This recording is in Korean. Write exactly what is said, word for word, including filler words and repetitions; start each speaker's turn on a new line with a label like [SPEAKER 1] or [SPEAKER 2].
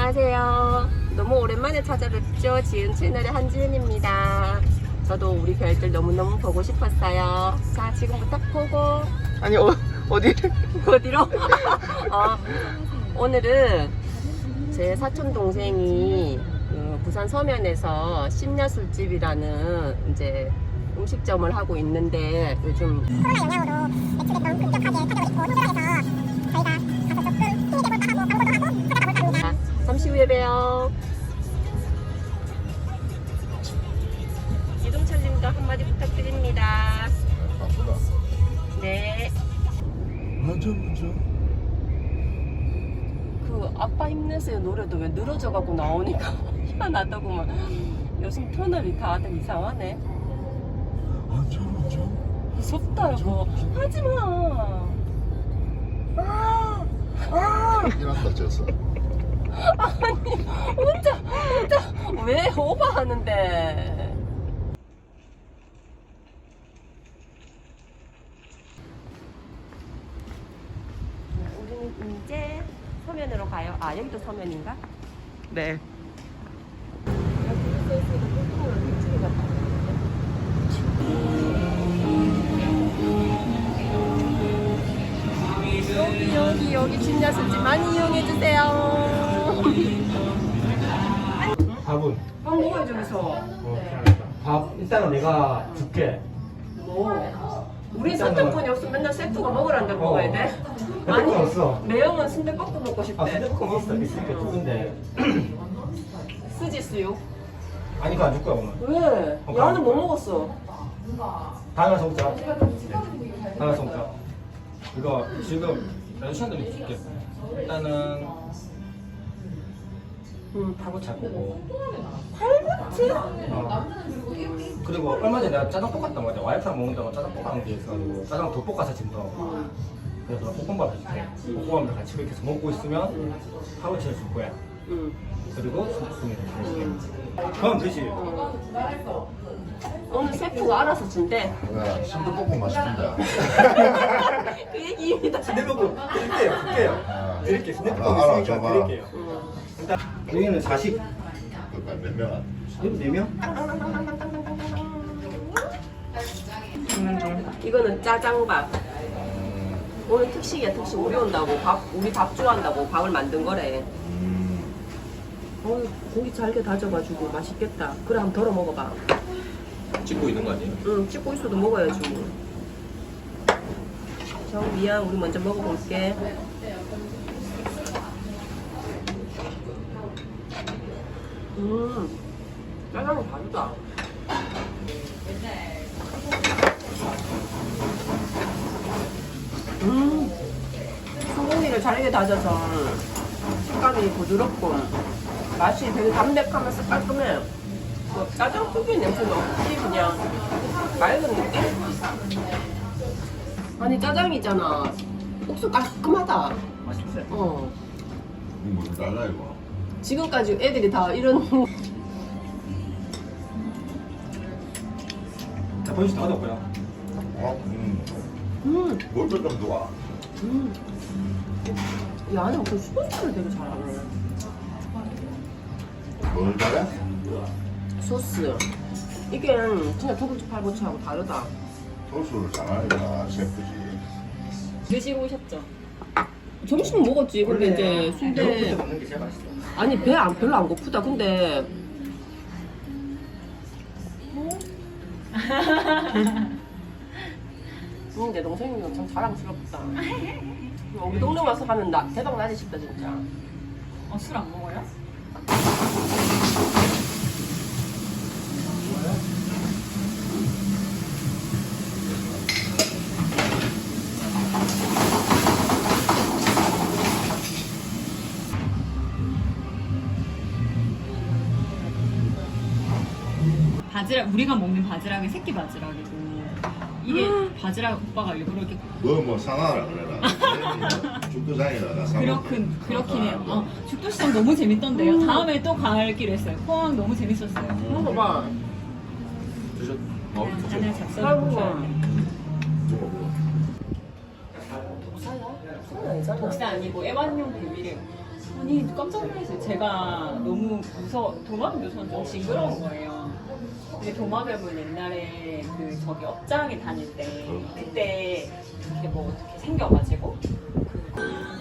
[SPEAKER 1] 안녕하세요. 너무 오랜만에 찾아뵙죠. 지은 채널의 한지은입니다. 저도 우리 별들 너무너무 보고 싶었어요. 자, 지금부터 보고.
[SPEAKER 2] 아니 어, 어디를?
[SPEAKER 1] 어디로? 어, 오늘은 제 사촌 동생이 그 부산 서면에서 심야 술집이라는 이제 음식점을 하고 있는데 요즘
[SPEAKER 3] 코로나 영향으로 매출이 너무 급격하게 터져버리고 힘들어해서 저희가 가서 조금 힘이 돼볼까 하고 광고도 하고 하다가 볼까 합니다.
[SPEAKER 1] 자, 잠시 후에 봬요. 이동철님도 한마디 부탁드립니다.
[SPEAKER 4] 바쁘다.
[SPEAKER 1] 네.
[SPEAKER 4] 먼저 먼저.
[SPEAKER 1] 그 아빠 힘내세요 노래도 왜 늘어져가고 나오니까 희한하다고만. 요즘 터널이 다들 이상하네.
[SPEAKER 4] 먼저 먼저.
[SPEAKER 1] 무섭다 여보. 하지마. 아, 아.
[SPEAKER 4] 일한다 졌어.
[SPEAKER 1] 아니 혼자 혼자 왜 오버하는데. 우리는 이제 서면으로 가요. 아 여기도 서면인가?
[SPEAKER 2] 네.
[SPEAKER 1] 여기 써있으니까 뚱뚱으로 일주일 같다. 여기 여기 여기 진야술집 많이 이용해주세요.
[SPEAKER 5] 밥은?
[SPEAKER 1] 밥 먹어요 저기서.
[SPEAKER 5] 어, 밥 일단은 내가 줄게.
[SPEAKER 1] 뭐? 우리 선택권이 없으면 맨날 세트가 먹으란다 먹어야 돼?
[SPEAKER 5] 선택권 없어.
[SPEAKER 1] 매형은 순대볶음 먹고
[SPEAKER 5] 아,
[SPEAKER 1] 싶대.
[SPEAKER 5] 핸드폰 있어. 있으니까 좋은데.
[SPEAKER 1] 쓰지 수육.
[SPEAKER 5] 아니, 그거 안 줄 거야, 오늘.
[SPEAKER 1] 왜?
[SPEAKER 5] 어,
[SPEAKER 1] 야는 뭐 먹었어?
[SPEAKER 5] 다음에 와서 먹자. 다음에 와서 먹자. 이거 지금 아저씨한테 줄게. 일단은
[SPEAKER 1] 응.
[SPEAKER 5] 팔보채 보고.
[SPEAKER 1] 팔보채?
[SPEAKER 5] 어. 그리고 얼마 전에 내가 짜장 볶았단 말이야. 와이프랑 먹는다고 짜장 볶아놓은 게 있어가지고 짜장 더 볶아서 지금 더. 그래서 볶음밥 해줄게. 볶음밥을 같이 이렇게 해서 먹고 있으면 팔보채를 줄 거야.
[SPEAKER 1] 응.
[SPEAKER 5] 그리고 소스를 해줄게. 그럼 되지.
[SPEAKER 1] 오늘 세트가 알아서 준대.
[SPEAKER 4] 야, 순대볶음 맛있습니다.
[SPEAKER 1] 그 얘기입니다.
[SPEAKER 5] 순대볶음 드릴게요. 드릴게요.
[SPEAKER 4] 아,
[SPEAKER 5] 드릴게. 순대볶음
[SPEAKER 4] 아, 알아,
[SPEAKER 5] 있으니까
[SPEAKER 4] 줘봐.
[SPEAKER 5] 드릴게요.
[SPEAKER 1] 응.
[SPEAKER 5] 일단 여기는 사십.
[SPEAKER 4] 그러니까 몇 명?
[SPEAKER 5] 여기 네 명?
[SPEAKER 1] 이거는 짜장밥. 오늘 특식이야 특식. 우리 온다고 밥 우리 밥 좋아한다고 밥을 만든 거래.
[SPEAKER 4] 음,
[SPEAKER 1] 어 고기 잘게 다져가지고 맛있겠다. 그래 한번 덜어 먹어봐.
[SPEAKER 5] 찍고 있는 거 아니에요?
[SPEAKER 1] 응 찍고 있어도 먹어야지 뭐. 저 미안 우리 먼저 먹어볼게. 음 짜장은 다르다. 음 소고기를 잘게 다져서 식감이 부드럽고 맛이 되게 담백하면서 깔끔해. 뭐 짜장 특유의 냄새는 없지. 그냥 맑은 느낌? 아니 짜장이잖아. 국수 깔끔하다.
[SPEAKER 5] 맛있어요.
[SPEAKER 1] 어
[SPEAKER 4] 이거 뭐 달라 이거.
[SPEAKER 1] 지금까지 애들이 다 이런
[SPEAKER 5] 자, 번씩 다 얻었고요.
[SPEAKER 4] 어, 음,
[SPEAKER 1] 음,
[SPEAKER 4] 뭘또 좀 좋아.
[SPEAKER 1] 음. 이 안에 그 소스를 되게 잘하네.
[SPEAKER 4] 뭘 잘해?
[SPEAKER 1] 소스. 이게 진짜 두부집 팔보채하고 다르다.
[SPEAKER 4] 소스를 잘하니까 셰프지.
[SPEAKER 1] 드시고 오셨죠? 점심은 먹었지. 근데 이제 순대.
[SPEAKER 5] 배고플 때 먹는 게 제일 맛있어.
[SPEAKER 1] 아니 배 안 별로 안 고프다. 근데 음, 내 동생이 엄청 자랑스럽다. 우리 동네 와서 하면 나 대박 나지 싶다 진짜.
[SPEAKER 6] 어, 술 안 먹어요? 바지락, 우리가 먹는 바지락이 새끼 바지락이고 이게 바지락 오빠가 일부러 이렇게
[SPEAKER 4] 너뭐 상하라 그래라. 죽도장이라 나 상하.
[SPEAKER 6] 그렇군 그렇긴 해요. 어, 죽도시장 너무 재밌던데요. 다음에 또 가기로 했어요. 포항 너무 재밌었어요.
[SPEAKER 1] 먹어봐.
[SPEAKER 5] 드셨?
[SPEAKER 6] 하나 작성.
[SPEAKER 1] 아이고.
[SPEAKER 6] 독사 아니고 애완용 베비래. 아니 깜짝 놀랐어요. 제가 너무 무서 도마뱀 묘소는 좀 징그러운 거예요. 근데 도마뱀은 옛날에 그 저기 업장에 다닐 때 그때 이렇게 뭐 어떻게 생겨가지고 그